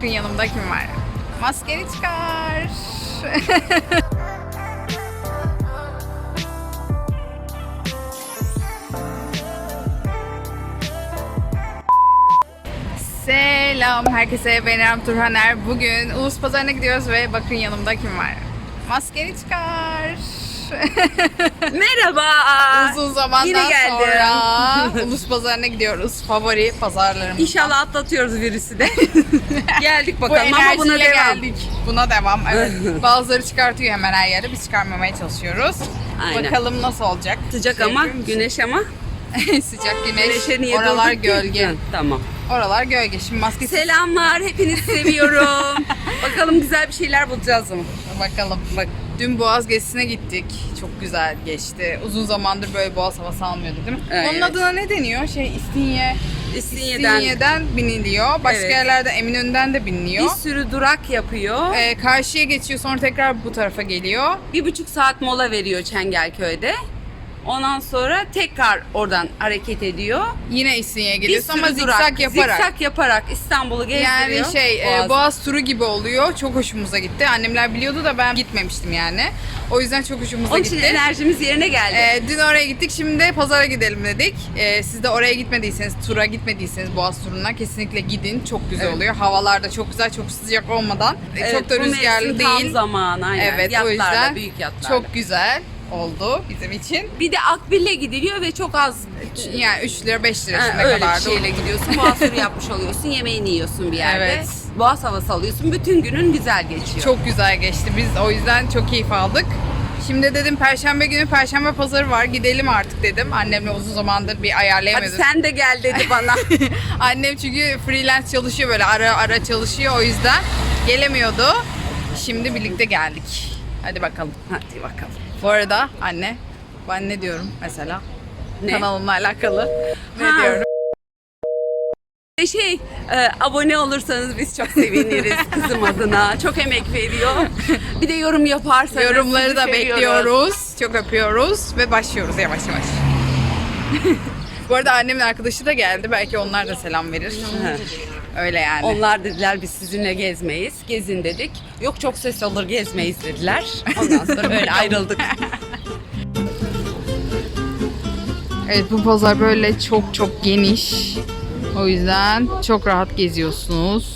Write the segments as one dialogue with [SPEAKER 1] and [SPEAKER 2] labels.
[SPEAKER 1] Bugün yanımda kim var? Maskeni çıkar. Selam herkese, ben İrem Turhaner. Bugün Ulus Pazarı'na gidiyoruz ve bakın yanımda kim var? Maskeni çıkar.
[SPEAKER 2] Merhaba.
[SPEAKER 1] Uzun zamandan
[SPEAKER 2] Yine geldim.
[SPEAKER 1] sonra Ulus Pazarı'na gidiyoruz. Favori pazarlarımız.
[SPEAKER 2] İnşallah atlatıyoruz virüsü de. Geldik
[SPEAKER 1] Bu
[SPEAKER 2] bakalım ama buna
[SPEAKER 1] enerjiyle
[SPEAKER 2] devam.
[SPEAKER 1] geldik. Buna devam. Evet. Bazıları çıkartıyor hemen her yerde. Biz çıkarmamaya çalışıyoruz.
[SPEAKER 2] Aynen.
[SPEAKER 1] Bakalım nasıl olacak.
[SPEAKER 2] Sıcak
[SPEAKER 1] Şey
[SPEAKER 2] ama
[SPEAKER 1] yapıyor musun?
[SPEAKER 2] güneş ama.
[SPEAKER 1] Sıcak güneş.
[SPEAKER 2] Güneşe niye
[SPEAKER 1] Oralar
[SPEAKER 2] durduk ki?
[SPEAKER 1] gölge.
[SPEAKER 2] Hı, tamam.
[SPEAKER 1] Oralar gölge. Şimdi maske
[SPEAKER 2] Selamlar. Hepinizi seviyorum. Bakalım güzel bir şeyler bulacağız mı?
[SPEAKER 1] bakalım. Bak, dün Boğaz gezisine gittik. Çok güzel geçti. Uzun zamandır böyle Boğaz havası almıyordu değil mi?
[SPEAKER 2] Evet.
[SPEAKER 1] Onun adına ne deniyor? İstinye'den biniliyor. Başka
[SPEAKER 2] Evet.
[SPEAKER 1] yerlerde Eminönü'nden de
[SPEAKER 2] Bir
[SPEAKER 1] biniliyor.
[SPEAKER 2] sürü durak yapıyor.
[SPEAKER 1] Karşıya geçiyor, sonra tekrar bu tarafa geliyor.
[SPEAKER 2] 1,5 saat mola veriyor Çengelköy'de. Ondan sonra tekrar oradan hareket ediyor.
[SPEAKER 1] Yine İstinye'ye
[SPEAKER 2] Bir
[SPEAKER 1] geliyorsun
[SPEAKER 2] sürü
[SPEAKER 1] ama
[SPEAKER 2] durak,
[SPEAKER 1] zikzak yaparak.
[SPEAKER 2] zikzak yaparak İstanbul'u gezdiriyor.
[SPEAKER 1] Yani Boğaz turu gibi oluyor. Çok hoşumuza gitti. Annemler biliyordu da ben gitmemiştim yani. O yüzden çok hoşumuza
[SPEAKER 2] Onun
[SPEAKER 1] gitti.
[SPEAKER 2] için enerjimiz yerine geldi.
[SPEAKER 1] Dün oraya gittik. Şimdi de pazara gidelim dedik. Siz de oraya gitmediyseniz, tura gitmediyseniz Boğaz turuna kesinlikle gidin. Çok güzel
[SPEAKER 2] Evet.
[SPEAKER 1] oluyor. Havalar da çok güzel, çok sıcak olmadan. Çok da
[SPEAKER 2] bu
[SPEAKER 1] rüzgarlı
[SPEAKER 2] mevsim tam
[SPEAKER 1] değil.
[SPEAKER 2] zamanı aynen.
[SPEAKER 1] Evet, o
[SPEAKER 2] Yatlarla,
[SPEAKER 1] yüzden
[SPEAKER 2] büyük yatlarla.
[SPEAKER 1] çok güzel oldu bizim için.
[SPEAKER 2] Bir de Akbil'le gidiliyor ve çok az
[SPEAKER 1] Yani 3 lira 5 lira ne
[SPEAKER 2] öyle
[SPEAKER 1] kadar
[SPEAKER 2] bir şeyle gidiyorsun. Boğaz turu yapmış oluyorsun. Yemeğini yiyorsun bir yerde.
[SPEAKER 1] Evet.
[SPEAKER 2] Boğaz havası alıyorsun. Bütün günün güzel geçiyor.
[SPEAKER 1] Çok güzel geçti. Biz o yüzden çok keyif aldık. Şimdi dedim Perşembe günü Perşembe pazarı var. Gidelim artık dedim. Annemle uzun zamandır bir
[SPEAKER 2] Hadi
[SPEAKER 1] ayarlayamadım.
[SPEAKER 2] sen de gel dedi bana.
[SPEAKER 1] Annem çünkü freelance çalışıyor, böyle ara ara çalışıyor, o yüzden gelemiyordu. Şimdi birlikte geldik. Hadi bakalım.
[SPEAKER 2] Hadi bakalım.
[SPEAKER 1] Bu arada anne, ben ne diyorum mesela?
[SPEAKER 2] Ne?
[SPEAKER 1] Kanalımla alakalı. Ne
[SPEAKER 2] Ha.
[SPEAKER 1] diyorum?
[SPEAKER 2] Abone olursanız biz çok seviniriz kızım adına. Çok emek veriyor. Bir de yorum yaparsanız
[SPEAKER 1] Yorumları
[SPEAKER 2] sizi
[SPEAKER 1] da
[SPEAKER 2] seviyoruz.
[SPEAKER 1] bekliyoruz. Çok öpüyoruz ve başlıyoruz yavaş yavaş. Bu arada annemin arkadaşı da geldi. Belki onlar da selam verir. Öyle yani.
[SPEAKER 2] Onlar dediler biz sizinle gezmeyiz. Gezin dedik. Yok çok ses olur gezmeyiz dediler. Ondan sonra böyle ayrıldık.
[SPEAKER 1] Evet, bu pazar böyle çok çok geniş. O yüzden çok rahat geziyorsunuz.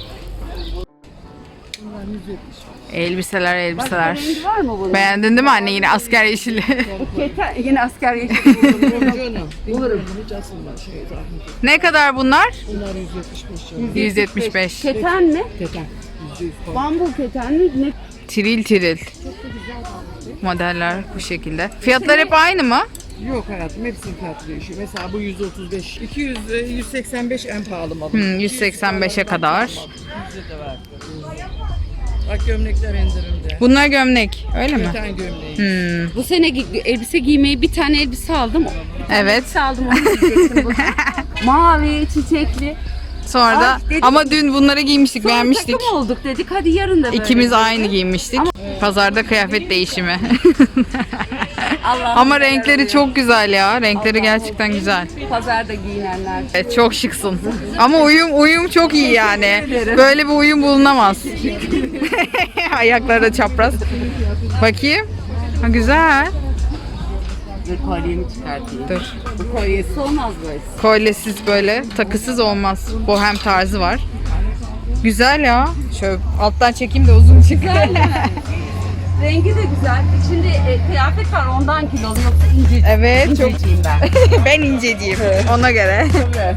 [SPEAKER 1] Elbiseler.
[SPEAKER 2] Rengi var mı bunun?
[SPEAKER 1] Beğendin değil mi anne, yine asker yeşili?
[SPEAKER 2] Yine asker yeşili buldum.
[SPEAKER 3] Canım. Bulurum. Hiç asılma şey zahmet.
[SPEAKER 1] Ne kadar bunlar?
[SPEAKER 3] Bunlar 175 canım.
[SPEAKER 1] 175.
[SPEAKER 2] Keten mi?
[SPEAKER 3] Keten. %100 falan.
[SPEAKER 2] Bambu keten mi? Ne?
[SPEAKER 1] Tiril. Modeller bu şekilde. Fiyatlar hep aynı mı?
[SPEAKER 3] Yok hayatım, hepsinin fiyatı değişiyor. Mesela bu 135. 200, 185 en pahalı malı.
[SPEAKER 1] 185'e kadar.
[SPEAKER 3] 100'e de var. Bak gömlekler indirimde.
[SPEAKER 1] Bunlar gömlek, öyle mi?
[SPEAKER 3] Keten gömleği.
[SPEAKER 2] Bu sene elbise giymeyi bir tane elbise aldım.
[SPEAKER 1] Evet.
[SPEAKER 2] Elbise aldım onu giyecektim bugün. Mavi, çiçekli.
[SPEAKER 1] Sonra da
[SPEAKER 2] Ay, dedim-
[SPEAKER 1] ama dün bunları giymiştik,
[SPEAKER 2] Sonra
[SPEAKER 1] beğenmiştik.
[SPEAKER 2] takım olduk dedik. Hadi yarın da böyle.
[SPEAKER 1] İkimiz aynı giymiştik. Pazarda kıyafet değişimi.
[SPEAKER 2] Allah'ım
[SPEAKER 1] Ama renkleri çok güzel ya. Renkleri gerçekten güzel.
[SPEAKER 2] Pazarda giyinenler.
[SPEAKER 1] Evet, çok şıksın. Ama uyum çok iyi yani. Böyle bir uyum bulunamaz. Ayakları da çapraz. Bakayım. Ha, güzel.
[SPEAKER 2] Dur kolyemi çıkartayım.
[SPEAKER 1] Dur.
[SPEAKER 2] Bu kolyesi olmaz böyle.
[SPEAKER 1] Kolyesiz böyle, takısız olmaz. Bohem tarzı var. Güzel ya. Şöyle alttan çekeyim de uzun çıkıyor.
[SPEAKER 2] Rengi de güzel. İçinde kıyafet var ondan kilolu yoksa ince.
[SPEAKER 1] Evet, çok.
[SPEAKER 2] İnceciyim ben.
[SPEAKER 1] Ben inceciyim. Ona göre.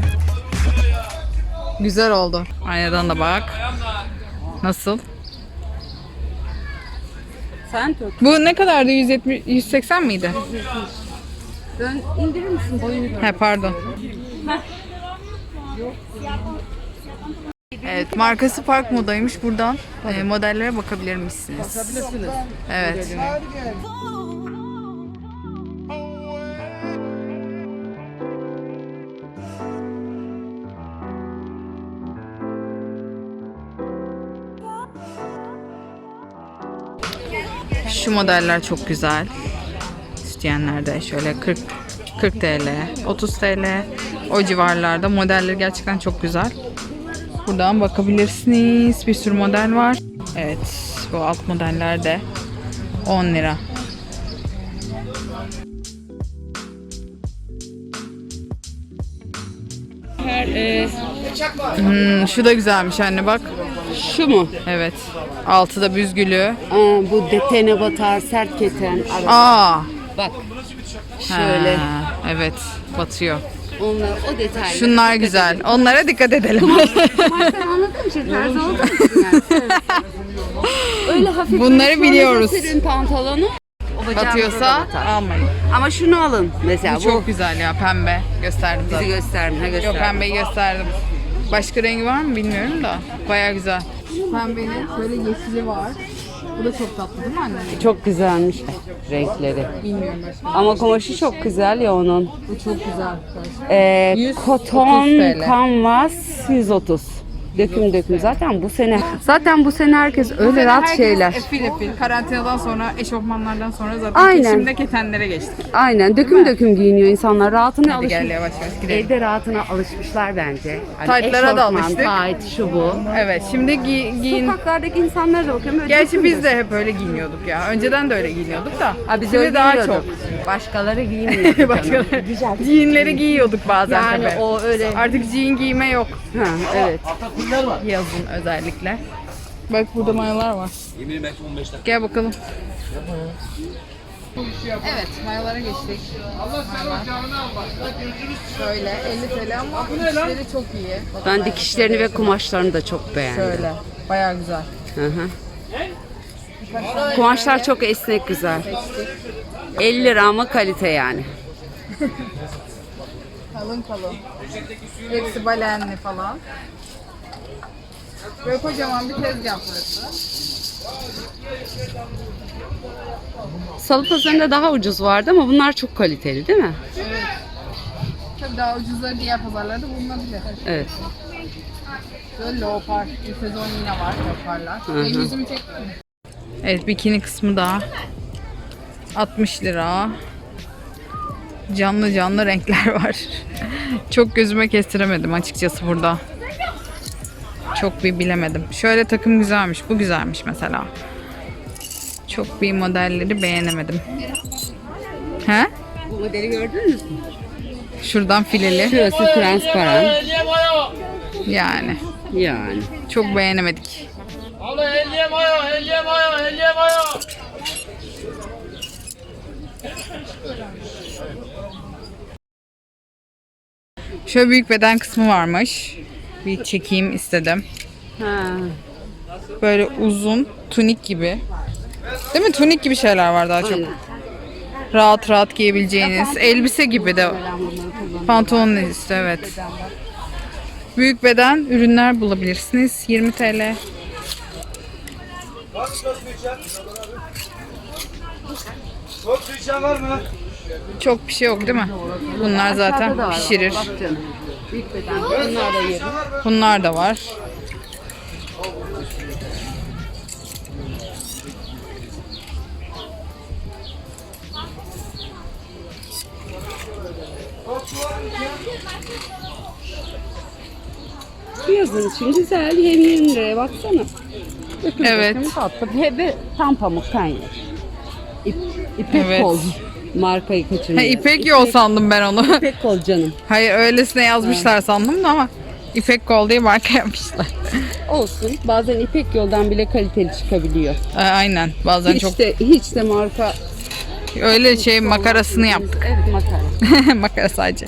[SPEAKER 1] Güzel oldu. Aynadan da bak. Nasıl?
[SPEAKER 2] Sen tut.
[SPEAKER 1] Bu ne kadardı? 180 miydi?
[SPEAKER 2] Dön, indirir misin boyunu gör.
[SPEAKER 1] He, pardon. Evet, markası Park Moda'ymış. Buradan modellere bakabilir misiniz?
[SPEAKER 3] Bakabilirsiniz.
[SPEAKER 1] Evet. Şu modeller çok güzel. İsteyenler şöyle 40 TL, 30 TL o civarlarda, modelleri gerçekten çok güzel. Buradan bakabilirsiniz. Bir sürü model var. Evet, bu alt modeller de 10 lira. Şu da güzelmiş anne bak.
[SPEAKER 2] Şu mu?
[SPEAKER 1] Evet. Altı da büzgülü.
[SPEAKER 2] Bu detene batar, sert keten.
[SPEAKER 1] Aa.
[SPEAKER 2] Bak. Şöyle.
[SPEAKER 1] Ha, evet. Batıyor.
[SPEAKER 2] Onlar, o detaylar.
[SPEAKER 1] Şunlar güzel. Onlara dikkat edelim.
[SPEAKER 2] Marka anladığım için terzi olduğum için yani. Öyle hafif
[SPEAKER 1] Bunları
[SPEAKER 2] böyle
[SPEAKER 1] biliyoruz.
[SPEAKER 2] serin pantolonu. O bacağınıza da
[SPEAKER 1] Batıyorsa
[SPEAKER 2] batar.
[SPEAKER 1] almayın.
[SPEAKER 2] Ama şunu alın mesela.
[SPEAKER 1] Bu çok güzel ya, pembe. Gösterdim
[SPEAKER 2] Bizi
[SPEAKER 1] zaten.
[SPEAKER 2] gösterme.
[SPEAKER 1] Yok,
[SPEAKER 2] Göster.
[SPEAKER 1] pembeyi gösterdim. Başka rengi var mı bilmiyorum da. Baya güzel. Pembenin şöyle yeşili var. Bu da çok tatlı değil mi anne?
[SPEAKER 2] Çok güzelmiş renkleri.
[SPEAKER 1] Bilmiyorum başka.
[SPEAKER 2] Ama kumaşı çok güzel ya onun.
[SPEAKER 1] Bu çok güzel. 130
[SPEAKER 2] Koton
[SPEAKER 1] TL.
[SPEAKER 2] canvas 130. Döküm. Zaten bu sene herkes öyle rahat şeyler.
[SPEAKER 1] Efil. Karantinadan sonra, eşofmanlardan sonra zaten
[SPEAKER 2] Aynen.
[SPEAKER 1] kesimde ketenlere geçtik.
[SPEAKER 2] Aynen döküm giyiniyor insanlar. Rahatına
[SPEAKER 1] Hadi gel
[SPEAKER 2] alışmış.
[SPEAKER 1] yavaş gidelim.
[SPEAKER 2] Evde rahatına alışmışlar bence. Hani
[SPEAKER 1] Taytlara da
[SPEAKER 2] eşofman,
[SPEAKER 1] alıştık.
[SPEAKER 2] Tayt, şu bu.
[SPEAKER 1] Evet, şimdi giyin.
[SPEAKER 2] Sokaklardaki insanlara da bakıyorum. Böyle
[SPEAKER 1] Gerçi
[SPEAKER 2] döküm
[SPEAKER 1] biz de hep öyle giyiniyorduk ya. Önceden de öyle giyiniyorduk da.
[SPEAKER 2] Ha, biz
[SPEAKER 1] Şimdi
[SPEAKER 2] öyle
[SPEAKER 1] daha
[SPEAKER 2] giyiyorduk.
[SPEAKER 1] çok.
[SPEAKER 2] Başkaları giymiyor.
[SPEAKER 1] Başkaları. Jeanleri giyiyorduk bazen
[SPEAKER 2] Yani
[SPEAKER 1] tabii.
[SPEAKER 2] o öyle.
[SPEAKER 1] Artık jean giyme yok.
[SPEAKER 2] Ha, evet.
[SPEAKER 1] Yazın özellikle. Bak burada mayolar var. Gel bakalım. Evet, mayolara geçtik. Şöyle 50 TL ama dikişleri çok iyi.
[SPEAKER 2] Ben dikişlerini ve kumaşlarını da çok beğendim.
[SPEAKER 1] Şöyle, bayağı güzel.
[SPEAKER 2] Hı hı. Kumaşlar çok esnek, güzel. 50 lira ama kalite yani.
[SPEAKER 1] Kalın. Hepsi balenli falan. Böyle kocaman bir tezgah burası.
[SPEAKER 2] Salı pazarında daha ucuz vardı ama bunlar çok kaliteli değil mi?
[SPEAKER 1] Tabii daha ucuzları diğer pazarlarda bulunabilir.
[SPEAKER 2] Evet.
[SPEAKER 1] Böyle leopar, bir sezon yine var leoparlar.
[SPEAKER 2] Hı.
[SPEAKER 1] Benim yüzümü çekti mi? Evet, bikini kısmı da 60 lira. Canlı renkler var. Çok gözüme kestiremedim açıkçası burada. Çok bir bilemedim. Şöyle takım güzelmiş. Bu güzelmiş mesela. Çok bir modelleri beğenemedim. He?
[SPEAKER 2] Bu modeli gördünüz mü?
[SPEAKER 1] Şuradan fileli.
[SPEAKER 2] Şurası transparan.
[SPEAKER 1] Yani.
[SPEAKER 2] Yani.
[SPEAKER 1] Çok beğenemedik. Şöyle büyük beden kısmı varmış. Bir çekeyim istedim.
[SPEAKER 2] Ha.
[SPEAKER 1] Böyle uzun tunik gibi. Değil mi? Tunik gibi şeyler var daha çok.
[SPEAKER 2] Aynen.
[SPEAKER 1] Rahat giyebileceğiniz. Elbise gibi de. Pantolon üstü, evet. Büyük beden ürünler bulabilirsiniz. 20 TL.
[SPEAKER 4] Çok su içen var mı?
[SPEAKER 1] Çok bir şey yok değil mi? Bunlar zaten pişirir.
[SPEAKER 2] Bak canım. Büyük beden. Bunlar da yeri.
[SPEAKER 1] Bunlar da var.
[SPEAKER 2] Yazın için güzel. Hem 20 liraya baksana.
[SPEAKER 1] Evet.
[SPEAKER 2] Hem tatlı. Ve tam pamuk yer. İpek
[SPEAKER 1] Evet.
[SPEAKER 2] kol. Markayı kaçırmıyor.
[SPEAKER 1] Ha, İpek yol sandım ben onu.
[SPEAKER 2] İpek kol canım.
[SPEAKER 1] Hayır, öylesine yazmışlar sandım da ama İpek Kol diye marka yapmışlar.
[SPEAKER 2] Olsun. Bazen İpek yoldan bile kaliteli çıkabiliyor.
[SPEAKER 1] Aynen. Bazen
[SPEAKER 2] Hiç
[SPEAKER 1] çok
[SPEAKER 2] de marka.
[SPEAKER 1] öyle şey makarasını yaptık.
[SPEAKER 2] Evet, makara.
[SPEAKER 1] Makara sadece.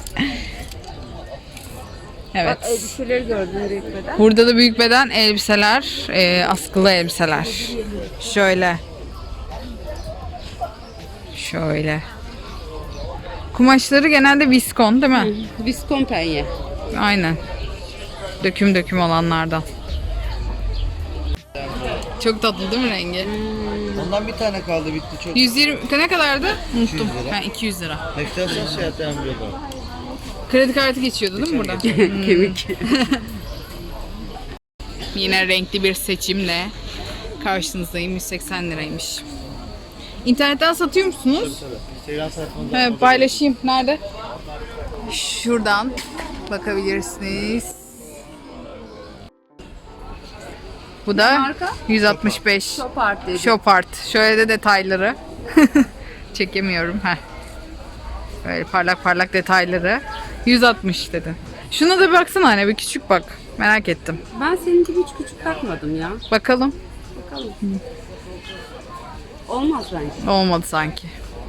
[SPEAKER 1] Evet.
[SPEAKER 2] Bak elbiseleri gördüm büyük beden.
[SPEAKER 1] Burada da büyük beden elbiseler, askılı elbiseler. Şöyle. Kumaşları genelde viskon değil mi?
[SPEAKER 2] Viskon penye.
[SPEAKER 1] Aynen. Döküm olanlardan. Çok tatlı değil mi rengi?
[SPEAKER 4] Ondan bir tane kaldı bitti çok.
[SPEAKER 1] 120 ne kadardı? Unuttum.
[SPEAKER 4] 200 lira.
[SPEAKER 1] 200 lira.
[SPEAKER 4] Ekstrasyon seyahat emriyor.
[SPEAKER 1] Kredi kartı geçiyordu değil mi burada?
[SPEAKER 2] Kemik.
[SPEAKER 1] Yine renkli bir seçimle karşınızdayım. 180 liraymış. İnternetten satıyor musunuz?
[SPEAKER 4] Instagram sayfamda.
[SPEAKER 1] He, paylaşayım. Nerede? Şuradan bakabilirsiniz. Bu da
[SPEAKER 2] Marka?
[SPEAKER 1] 165.
[SPEAKER 2] Shopart dedi.
[SPEAKER 1] Shopart. Şöyle de detayları. Çekemiyorum. Heh. Böyle parlak parlak detayları. 160 dedi. Şuna da bir baksana anne, bir küçük bak. Merak ettim.
[SPEAKER 2] Ben senin gibi hiç küçük bakmadım ya.
[SPEAKER 1] Bakalım.
[SPEAKER 2] Bakalım. Olmaz bence.
[SPEAKER 1] Olmadı sanki.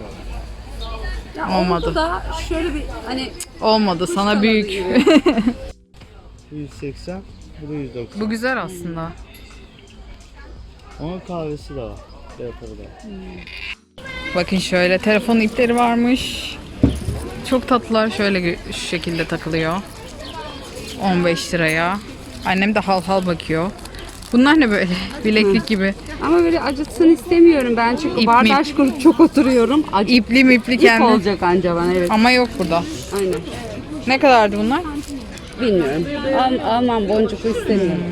[SPEAKER 2] Ya
[SPEAKER 1] Olmadı.
[SPEAKER 2] oldu da şöyle bir hani
[SPEAKER 1] Olmadı. Sana
[SPEAKER 2] kanadı
[SPEAKER 1] büyük.
[SPEAKER 2] gibi.
[SPEAKER 4] 180, bu da 190.
[SPEAKER 1] Bu güzel aslında.
[SPEAKER 4] Onun kahvesi de var. Yaparı da.
[SPEAKER 1] Bakın şöyle telefon ipleri varmış. Çok tatlılar. Şöyle şu şekilde takılıyor. 15 liraya. Annem de hal hal bakıyor. Bunlar ne böyle? Bileklik gibi.
[SPEAKER 2] Ama böyle acıtsın istemiyorum ben çünkü
[SPEAKER 1] İp
[SPEAKER 2] bardaş kurup çok oturuyorum. Acı
[SPEAKER 1] İpli mipli
[SPEAKER 2] ip
[SPEAKER 1] kendi.
[SPEAKER 2] olacak anca bana evet.
[SPEAKER 1] Ama yok burada.
[SPEAKER 2] Aynen.
[SPEAKER 1] Ne kadardı bunlar?
[SPEAKER 2] Bilmiyorum. Almam boncuklu istemiyorum.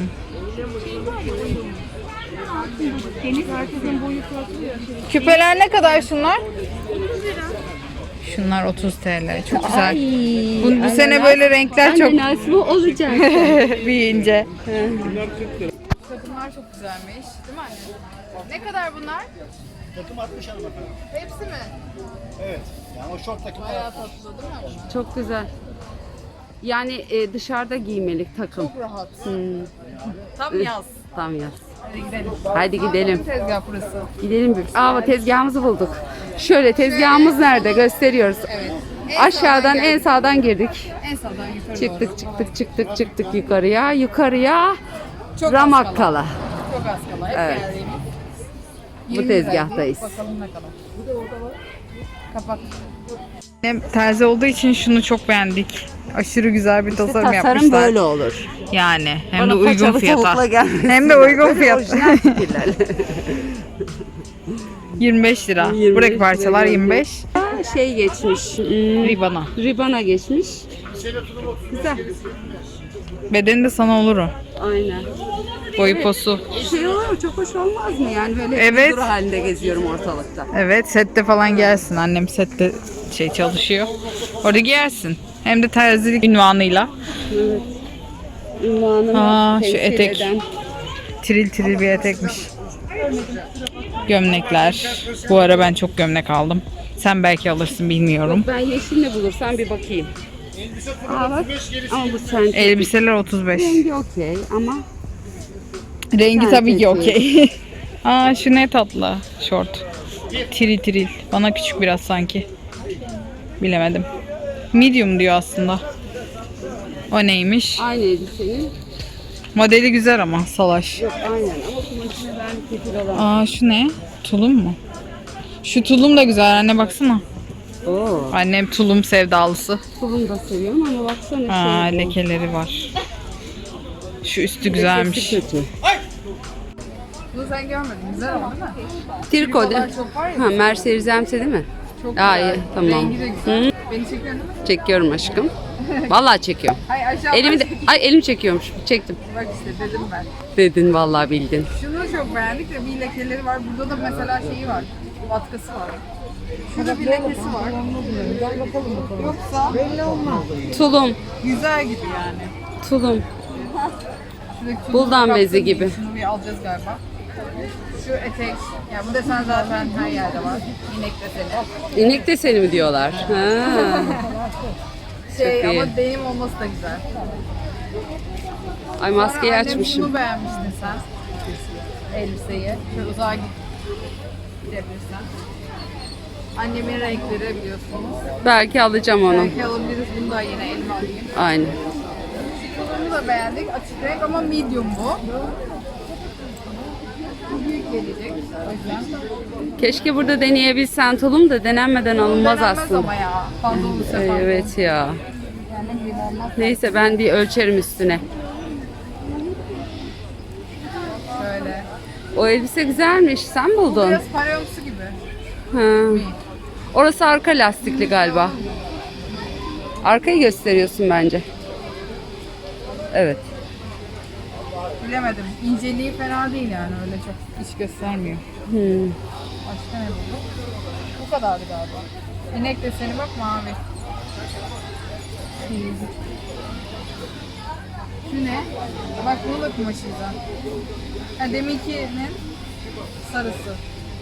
[SPEAKER 1] Küpeler ne kadar şunlar? Şunlar 30 TL. Çok güzel. Bu sene böyle renkler çok
[SPEAKER 2] nasıl olacak?
[SPEAKER 1] büyüyünce. Takımlar çok güzelmiş. Değil mi anne? Ne kadar bunlar?
[SPEAKER 4] Takım 60 hanımefendi.
[SPEAKER 1] Hepsi mi?
[SPEAKER 4] Evet. Yani o short takım.
[SPEAKER 1] Bayağı tatlı değil mi bunlar?
[SPEAKER 2] Çok güzel. Yani dışarıda giymelik takım.
[SPEAKER 1] Çok rahat. Tam yaz.
[SPEAKER 2] Tam yaz.
[SPEAKER 1] Hadi gidelim.
[SPEAKER 2] Hadi gidelim.
[SPEAKER 1] Tezgah burası.
[SPEAKER 2] Gidelim bir. Aa tezgahımızı bulduk. Şöyle tezgahımız nerede gösteriyoruz.
[SPEAKER 1] Evet.
[SPEAKER 2] Aşağıdan en sağdan girdik.
[SPEAKER 1] En sağdan yukarı
[SPEAKER 2] Çıktık yukarıya. Yukarıya
[SPEAKER 1] Çok
[SPEAKER 2] Ramakkala.
[SPEAKER 1] Çok az kala. Hep
[SPEAKER 2] Evet.
[SPEAKER 1] geldiğimiz.
[SPEAKER 2] Bu
[SPEAKER 1] 20
[SPEAKER 2] tezgahtayız.
[SPEAKER 1] liraydı. Bakalım ne kadar. Kapak. Terzi olduğu için şunu çok beğendik. Aşırı güzel bir tasarım
[SPEAKER 2] Tasarım
[SPEAKER 1] yapmışlar.
[SPEAKER 2] böyle olur.
[SPEAKER 1] Yani hem
[SPEAKER 2] Bana
[SPEAKER 1] de uygun
[SPEAKER 2] paçalı
[SPEAKER 1] fiyata.
[SPEAKER 2] tavukla gelmesin.
[SPEAKER 1] Hem de uygun
[SPEAKER 2] Böyle
[SPEAKER 1] fiyata.
[SPEAKER 2] orijinal fikirler.
[SPEAKER 1] 25 lira.
[SPEAKER 2] 25
[SPEAKER 1] Buradaki parçalar
[SPEAKER 2] lira.
[SPEAKER 1] 25.
[SPEAKER 2] Şey geçmiş.
[SPEAKER 1] Ribana.
[SPEAKER 2] Ribana geçmiş. Güzel.
[SPEAKER 1] Bedeni de sana olur o.
[SPEAKER 2] Aynen.
[SPEAKER 1] Boyu posu.
[SPEAKER 2] Şey olur mu? Çok hoş olmaz mı? Yani böyle
[SPEAKER 1] Evet.
[SPEAKER 2] bir duru halinde geziyorum ortalıkta.
[SPEAKER 1] Evet, sette falan gelsin. Annem sette çalışıyor. Orada giyersin. Hem de terzilik ünvanıyla.
[SPEAKER 2] Evet. Ünvanını
[SPEAKER 1] Aa, şu
[SPEAKER 2] temsil
[SPEAKER 1] etek.
[SPEAKER 2] eden.
[SPEAKER 1] Tril tril bir etekmiş. Gömlekler. Bu ara ben çok gömlek aldım. Sen belki alırsın, bilmiyorum.
[SPEAKER 2] Ben yeşil ne bulursam bir bakayım. Aa bak. Ama bu sen.
[SPEAKER 1] Elbiseler 35.
[SPEAKER 2] Rengi okey ama
[SPEAKER 1] Rengi
[SPEAKER 2] Sen
[SPEAKER 1] tabii ki
[SPEAKER 2] seçiyorsun.
[SPEAKER 1] okey. Aa, şu ne tatlı. Şort. Tril tril. Bana küçük biraz sanki. Bilemedim. Medium diyor aslında. O neymiş?
[SPEAKER 2] aynı elbisenin.
[SPEAKER 1] Modeli güzel ama salaş.
[SPEAKER 2] Yok aynen ama kumaşını ben kefil olan.
[SPEAKER 1] Aa, şu ne? Tulum mu? Şu tulum da güzel anne, baksana.
[SPEAKER 2] Oo.
[SPEAKER 1] Annem tulum sevdalısı.
[SPEAKER 2] Tulum da seviyorum ama baksana
[SPEAKER 1] Aa,
[SPEAKER 2] şey bu.
[SPEAKER 1] lekeleri var. Şu üstü güzelmiş.
[SPEAKER 2] Lekesi kötü.
[SPEAKER 1] Bunu sen görmedin. Güzel ama değil mi?
[SPEAKER 2] Triko değil.
[SPEAKER 1] çok var ya.
[SPEAKER 2] Ha Mercedes-Benz değil mi?
[SPEAKER 1] Çok
[SPEAKER 2] Aa,
[SPEAKER 1] güzel.
[SPEAKER 2] iyi, tamam.
[SPEAKER 1] Rengi de güzel.
[SPEAKER 2] Hı.
[SPEAKER 1] Beni çekiyorsun değil mi?
[SPEAKER 2] Çekiyorum aşkım. Vallahi çekiyorum.
[SPEAKER 1] Ay aşağı
[SPEAKER 2] Elimi de, ay elim çekiyormuş. Çektim.
[SPEAKER 1] bak işte dedim ben.
[SPEAKER 2] Dedin vallahi bildin.
[SPEAKER 1] Şunu çok beğendik de bir lekeleri var. Burada da mesela şeyi var. Vatkası var. Şurada bir lekesi var. Yoksa belli olmaz.
[SPEAKER 2] Tulum.
[SPEAKER 1] Güzel gibi yani.
[SPEAKER 2] Tulum.
[SPEAKER 1] Şuradaki tulum
[SPEAKER 2] Buldan
[SPEAKER 1] kaplı
[SPEAKER 2] bezi
[SPEAKER 1] değil.
[SPEAKER 2] gibi.
[SPEAKER 1] Şunu bir alacağız galiba. Şu etek. Ya bu desen zaten her yerde var. İnek deseni.
[SPEAKER 2] İnek deseni mi diyorlar? Ha.
[SPEAKER 1] Şey
[SPEAKER 2] Çok iyi.
[SPEAKER 1] ama denim olması da güzel.
[SPEAKER 2] Ay maskeyi
[SPEAKER 1] Sonra annem
[SPEAKER 2] açmışım.
[SPEAKER 1] Bunu beğenmiştin sen. Elbiseyi. Şöyle uzağa gidebilirsen. Annemin renkleri biliyorsunuz.
[SPEAKER 2] Belki alacağım onu.
[SPEAKER 1] Belki alabiliriz. Bunu da yine elime alayım.
[SPEAKER 2] Aynen.
[SPEAKER 1] Bunu da beğendik. Açık renk ama medium bu. Bu büyük gelecek. O yüzden.
[SPEAKER 2] Keşke burada deneyebilsen tulum da denenmeden alınmaz
[SPEAKER 1] Denenmez
[SPEAKER 2] aslında.
[SPEAKER 1] ama ya. Fazla olursa fazla.
[SPEAKER 2] Evet ya.
[SPEAKER 1] Yani ne bileyim olmaz.
[SPEAKER 2] Neyse ben bir ölçerim üstüne.
[SPEAKER 1] Şöyle.
[SPEAKER 2] O elbise güzelmiş. Sen buldun.
[SPEAKER 1] Biraz parayomsu gibi.
[SPEAKER 2] Ha. Orası arka lastikli galiba. Arkayı gösteriyorsun bence. Evet.
[SPEAKER 1] Bilemedim. İnceliği fena değil yani, öyle çok iş göstermiyor. Başka ne bulduk? Bu kadardı galiba. İnek deseni bak, mavi. Şu ne? Bak bunu da kumaşıydı. Ha, deminkinin sarısı.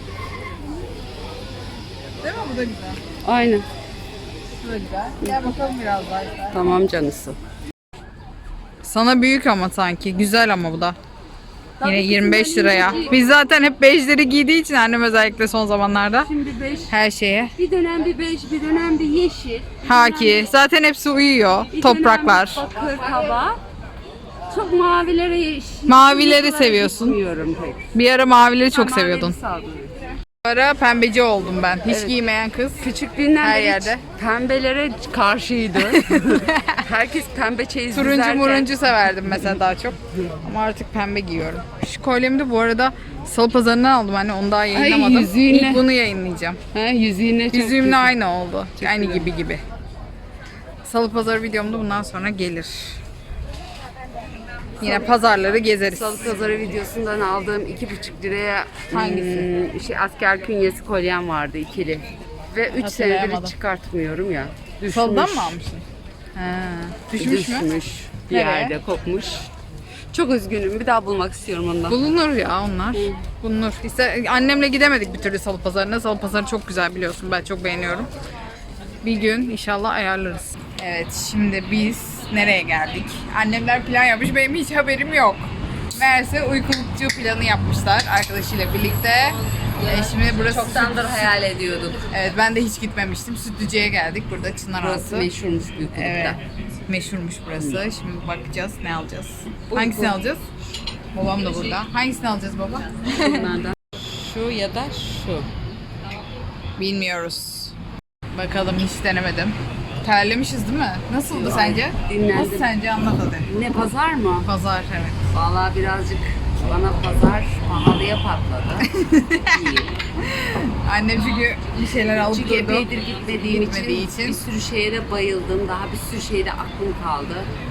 [SPEAKER 1] Değil mi? Bu da güzel.
[SPEAKER 2] Aynen.
[SPEAKER 1] Bu da güzel. Gel bakalım biraz daha.
[SPEAKER 2] Tamam canısı.
[SPEAKER 1] Sana büyük ama sanki. Güzel ama bu da. Yine
[SPEAKER 2] Tabii
[SPEAKER 1] 25
[SPEAKER 2] kızım,
[SPEAKER 1] liraya.
[SPEAKER 2] ben
[SPEAKER 1] Biz zaten hep bejleri giydiği için annem özellikle son zamanlarda
[SPEAKER 2] Şimdi 5.
[SPEAKER 1] her şeye.
[SPEAKER 2] Bir dönem bir 5, bir dönem bir yeşil. bir
[SPEAKER 1] Haki. Zaten hepsi uyuyor.
[SPEAKER 2] bir
[SPEAKER 1] Topraklar.
[SPEAKER 2] dönem bakır kaba. Çok mavilere
[SPEAKER 1] Mavileri seviyorsun.
[SPEAKER 2] Bilmiyorum pek.
[SPEAKER 1] Bir ara mavileri çok
[SPEAKER 2] Ben mavileri
[SPEAKER 1] seviyordun.
[SPEAKER 2] saldırıyorum.
[SPEAKER 1] Bu ara pembeci oldum ben. Hiç
[SPEAKER 2] Evet.
[SPEAKER 1] giymeyen kız.
[SPEAKER 2] Küçüklüğünden
[SPEAKER 1] Her
[SPEAKER 2] beri
[SPEAKER 1] yerde.
[SPEAKER 2] pembelere karşıydı. Herkes pembe çeyiz
[SPEAKER 1] Turuncu
[SPEAKER 2] dizerken-
[SPEAKER 1] muruncu severdim mesela daha çok. Ama artık pembe giyiyorum. Şu kolyemi de bu arada Salı Pazarı'ndan aldım anne. Onu daha yayınlamadım.
[SPEAKER 2] yüzüğüne.
[SPEAKER 1] İlk bunu yayınlayacağım.
[SPEAKER 2] Ha, yüzüğüne çok
[SPEAKER 1] Yüzüğümle
[SPEAKER 2] güzel.
[SPEAKER 1] aynı oldu. Aynı gibi. Salı Pazarı videomda bundan sonra gelir. Yine pazarları gezeriz.
[SPEAKER 2] Salı pazarı videosundan aldığım 2,5 liraya
[SPEAKER 1] Hangisi?
[SPEAKER 2] asker künyesi kolyem vardı ikili. Ve 3 senedir
[SPEAKER 1] Hatırlayamadım.
[SPEAKER 2] hiç çıkartmıyorum ya. Düşmüş.
[SPEAKER 1] Salıdan mı almışsın? Ha, düşmüş mü?
[SPEAKER 2] Bir
[SPEAKER 1] Nereye?
[SPEAKER 2] yerde kopmuş. Çok üzgünüm. Bir daha bulmak istiyorum ondan.
[SPEAKER 1] Bulunur ya onlar. Bulunur. İşte annemle gidemedik bir türlü Salı Pazarı'na. Salı Pazarı çok güzel biliyorsun. Ben çok beğeniyorum. Bir gün inşallah ayarlarız. Evet, şimdi biz nereye geldik? Annemler plan yapmış. Benim hiç haberim yok. Meğerse uykulukçu planı yapmışlar arkadaşıyla birlikte. Şimdi burası
[SPEAKER 2] Çoktandır hayal ediyorduk.
[SPEAKER 1] Evet, ben de hiç gitmemiştim. Sütlüce'ye geldik. Burada Çınar
[SPEAKER 2] Burası
[SPEAKER 1] Ağası.
[SPEAKER 2] meşhurmuş Büyükkuluk'ta.
[SPEAKER 1] Evet. Meşhurmuş burası. Şimdi bakacağız ne alacağız. Hangisini alacağız? Babam da burada. Hangisini alacağız baba?
[SPEAKER 2] Bunlardan. Şu ya da şu.
[SPEAKER 1] Bilmiyoruz. Bakalım, hiç denemedim. Terlemişiz değil mi? Nasıldı sence?
[SPEAKER 2] dinlendim.
[SPEAKER 1] Nasıl sence, anlat hadi.
[SPEAKER 2] Ne pazar mı?
[SPEAKER 1] Pazar, evet.
[SPEAKER 2] Vallahi birazcık bana pazar pahalıya patladı. İyi.
[SPEAKER 1] Annem çünkü bir şeyler alıp
[SPEAKER 2] Çünkü
[SPEAKER 1] durdu.
[SPEAKER 2] epeydir gitmediğim
[SPEAKER 1] Gitmediği
[SPEAKER 2] için bir sürü şeye de bayıldım. Daha bir sürü şeyde aklım kaldı.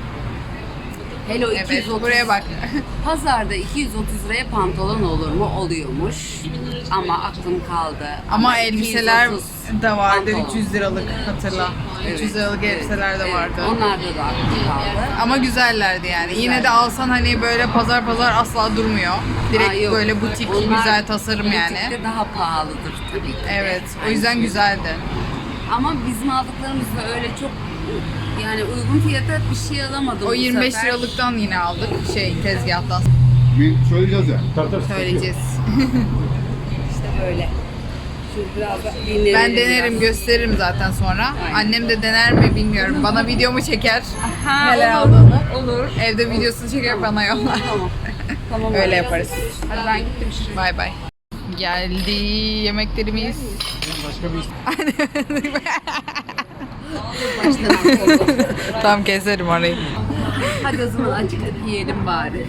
[SPEAKER 2] Hello
[SPEAKER 1] Evet,
[SPEAKER 2] 230.
[SPEAKER 1] buraya bak.
[SPEAKER 2] Pazarda 230 liraya pantolon olur mu? Oluyormuş. Ama aklım kaldı.
[SPEAKER 1] Ama elbiseler
[SPEAKER 2] 230
[SPEAKER 1] de vardı,
[SPEAKER 2] pantolon.
[SPEAKER 1] 300 liralık hatırla. 300 liralık elbiseler de
[SPEAKER 2] Evet,
[SPEAKER 1] vardı.
[SPEAKER 2] onlarda da aklım kaldı.
[SPEAKER 1] Ama güzellerdi yani. Yine de alsan hani böyle pazar asla durmuyor. Direkt
[SPEAKER 2] Aa, yok.
[SPEAKER 1] böyle butik,
[SPEAKER 2] Onlar
[SPEAKER 1] güzel tasarım yani.
[SPEAKER 2] butikte daha pahalıdır tabii ki. de.
[SPEAKER 1] Evet, o
[SPEAKER 2] Aynı
[SPEAKER 1] yüzden
[SPEAKER 2] şey.
[SPEAKER 1] güzeldi.
[SPEAKER 2] Ama bizim aldıklarımızda öyle çok yani uygun fiyata bir şey alamadım
[SPEAKER 1] O
[SPEAKER 2] bu
[SPEAKER 1] 25
[SPEAKER 2] sefer.
[SPEAKER 1] liralıktan yine aldık tezgahtan.
[SPEAKER 5] Bir söyleyeceğiz ya.
[SPEAKER 1] Söyleyeceğiz.
[SPEAKER 2] İşte böyle. Şu biraz da dinlenelim
[SPEAKER 1] Ben denerim,
[SPEAKER 2] biraz.
[SPEAKER 1] gösteririm zaten sonra.
[SPEAKER 2] Aynen.
[SPEAKER 1] Annem de dener mi bilmiyorum. Bana videomu çeker.
[SPEAKER 2] Ha,
[SPEAKER 1] Neler
[SPEAKER 2] olur,
[SPEAKER 1] aldığını.
[SPEAKER 2] Olur.
[SPEAKER 1] Evde videosunu çeker, bana yollar.
[SPEAKER 2] Tamam. Tamam.
[SPEAKER 1] Öyle yaparız.
[SPEAKER 2] Hadi ben gittim şimdi.
[SPEAKER 1] Bay bay. Geldi yemeklerimiz. Tam keserim orayı.
[SPEAKER 2] Hadi o zaman acıktık yiyelim bari.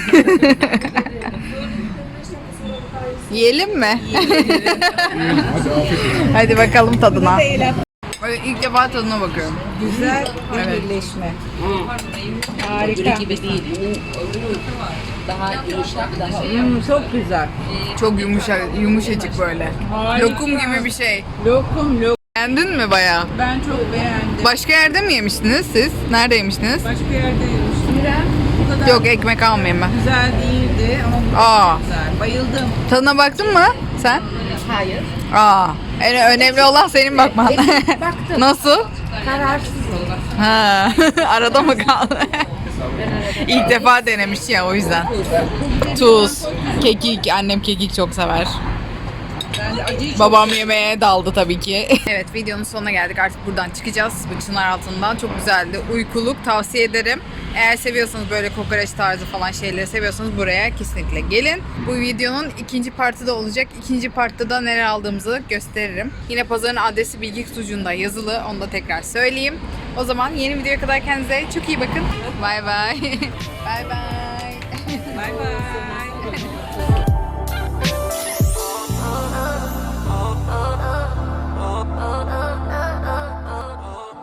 [SPEAKER 1] Yiyelim mi?
[SPEAKER 5] Hadi afiyet olsun.
[SPEAKER 1] Hadi bakalım tadına. Böyle ilk defa tadına bakıyorum.
[SPEAKER 3] Güzel bir
[SPEAKER 1] Evet.
[SPEAKER 3] birleşme.
[SPEAKER 2] Öbürü gibi değil. Öbürü daha yumuşak, daha
[SPEAKER 3] Çok güzel.
[SPEAKER 1] Çok yumuşacık böyle.
[SPEAKER 3] Harika.
[SPEAKER 1] Lokum gibi bir şey.
[SPEAKER 3] Lokum.
[SPEAKER 1] Beğendin mi bayağı?
[SPEAKER 3] Ben çok beğendim.
[SPEAKER 1] Başka yerde mi yemiştiniz siz? Nerede yemiştiniz?
[SPEAKER 3] Başka yerde yemiştim. Bu kadar
[SPEAKER 1] Yok, ekmek almayayım ben.
[SPEAKER 3] güzel değildi ama bu
[SPEAKER 1] Aa,
[SPEAKER 3] çok güzel. Bayıldım.
[SPEAKER 1] tadına baktın mı sen?
[SPEAKER 3] Hayır.
[SPEAKER 1] Aa, önemli olan senin bakman.
[SPEAKER 3] Baktım.
[SPEAKER 1] Nasıl?
[SPEAKER 3] Kararsız oldum.
[SPEAKER 1] Ha, arada mı kaldı? İlk defa denemiş ya, o yüzden. Tuz, kekik, annem kekik çok sever.
[SPEAKER 3] Ben de acıyı
[SPEAKER 1] Babam yemeğe daldı tabii ki. Evet, videonun sonuna geldik. Artık buradan çıkacağız. Bu çınar altından. Çok güzeldi. Uykuluk tavsiye ederim. Eğer seviyorsanız böyle kokoreç tarzı falan şeyleri seviyorsanız buraya kesinlikle gelin. Bu videonun ikinci partı da olacak. İkinci partta da neler aldığımızı gösteririm. Yine pazarın adresi bilgi kutucuğunda yazılı. Onu da tekrar söyleyeyim. O zaman yeni videoya kadar kendinize çok iyi bakın. Bay bay. Bay bay.
[SPEAKER 3] Bay bay.